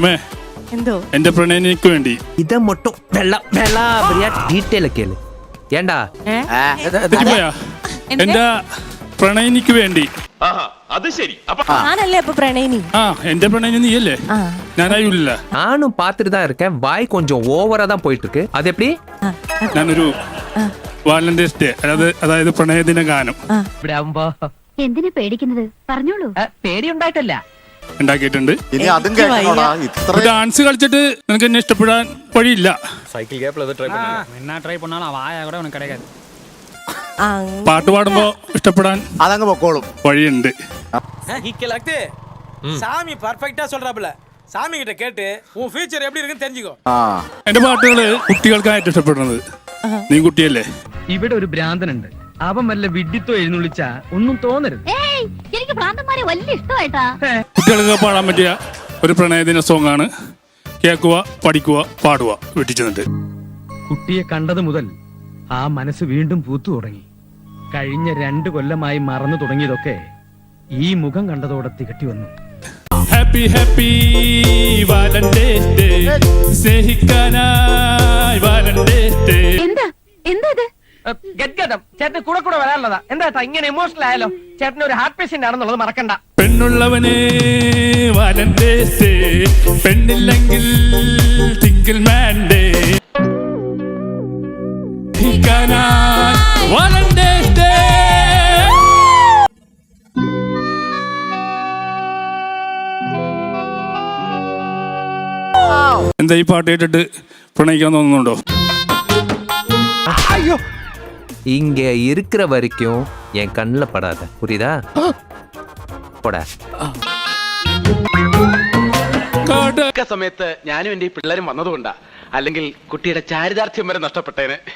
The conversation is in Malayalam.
സുമേ എന്തോ എന്റെ പ്രണയിനിക്ക് വേണ്ടി ഇത മൊട്ടം ഡീറ്റെയിൽ ഒക്കെ അല്ലേ ഏണ്ടാ തെറ്റിപ്പോയാ? എന്റെ പ്രണയിനിക്ക് വേണ്ടി. അത് ശരി. ഞാനല്ലേ അപ്പൊ പ്രണയിനി? ആ എന്റെ പ്രണയിനി നീയല്ലേ? ഞാനായില്ല. நானும் பார்த்துட்டு தான் இருக்கேன். வாய் கொஞ்சம் ஓவரா தான் போயிட்டு இருக்கு. அது எப்படி? ഞാനൊരു വാലന്റൈൻസ് ഡേ അതായത് പ്രണയദിന ഗാനം ഇവിടെ ആവുമ്പോ എന്തിനാ പേടിക്കുന്നത്? പറഞ്ഞോളൂ. പേടിയുണ്ടായിട്ടല്ല. ഉണ്ടാക്കിയിട്ടുണ്ട്. ഇനി അതും കേൾക്കണോടാ. ഇത്ര ഡാൻസ് കളിച്ചിട്ട് നിനക്ക് എന്നെ ഇഷ്ടപ്പെടാൻ വഴിയില്ല. സൈക്കിൾ ഗ്യാപ്പിൽ അത് ട്രൈ ട്രൈ பண்ணாலும் வாயா கூட உனக்கு கிடைக்காது. പാട്ട് പാടുമ്പോ ഇഷ്ടപ്പെടാൻ അതങ്ങ് പൊക്കോളും. വഴിയുണ്ട്. சாமி பர்ஃபெக்ட்டா சொல்றாப்ல. சாமி கிட்ட கேட்டு உன் ஃபியூச்சர் எப்படி இருக்குன்னு தெரிஞ்சுக்கோ. എന്റെ പാട്ടുകള് കുട്ടികൾക്കായിട്ട് ഇഷ്ടപ്പെടുന്നത്. നീ കുട്ടിയല്ലേ? ഇവിടെ ഒരു ഭ്രാന്തനുണ്ട്. അവൻ വല്ല വിഡ്ഢിത്തോ എഴുന്നള്ളിച്ചാ ഒന്നും തോന്നരുത്. ഏയ്, എനിക്ക് ഭ്രാന്തന്മാരെ വലിയ ഇഷ്ടമായിട്ടാ. കുട്ടികൾക്ക് പാടാൻ പറ്റിയ ഒരു പ്രണയദിന സോങ് ആണ്. കേൾക്കുക, പഠിക്കുക, പാടുക വീട്ടിൽ ചെന്നിട്ട്. കുട്ടിയെ കണ്ടത് മുതൽ ആ മനസ്സ് വീണ്ടും പൂത്തു തുടങ്ങി. കഴിഞ്ഞ 2 കൊല്ലമായി മറന്നു തുടങ്ങിയതൊക്കെ ഈ മുഖം കണ്ടതോടെ തികട്ടി വന്നു. ഹാപ്പി ഹാപ്പി വാലന്റൈൻസ് ഡേ, സ്നേഹിക്കാനായി വാലന്റൈൻസ് ഡേ. എന്താ എന്താ ഇത്? ഗദ്ഗതം ചേട്ടന് കൂടെ കൂടെ വരാനുള്ളതാ. എന്താ ഇങ്ങനെ ഇമോഷണൽ ആയാലോ? ചേട്ടന് ഒരു ഹാർട്ട് പേഷ്യന്റ് ആണെന്നുള്ളത് മറക്കണ്ട. പെണ്ണുള്ളവനെ വാലന്റൈൻസ് ഡേ, പെണ്ണില്ലെങ്കിൽ single man day. Valentine's day. എന്താ ഈ പാട്ട് കേട്ടിട്ട് പ്രണയിക്കാൻ തോന്നുന്നുണ്ടോ? இங்க இருக்கிற வரைக்கும் என் கண்ணுல படாத, புரியுதா? போடா. സമയത്ത് ഞാനും എന്റെ പിള്ളേരും വന്നതുകൊണ്ടാ, അല്ലെങ്കിൽ കുട്ടിയുടെ ചാരിതാർത്ഥ്യം വരെ നഷ്ടപ്പെട്ടേനെ.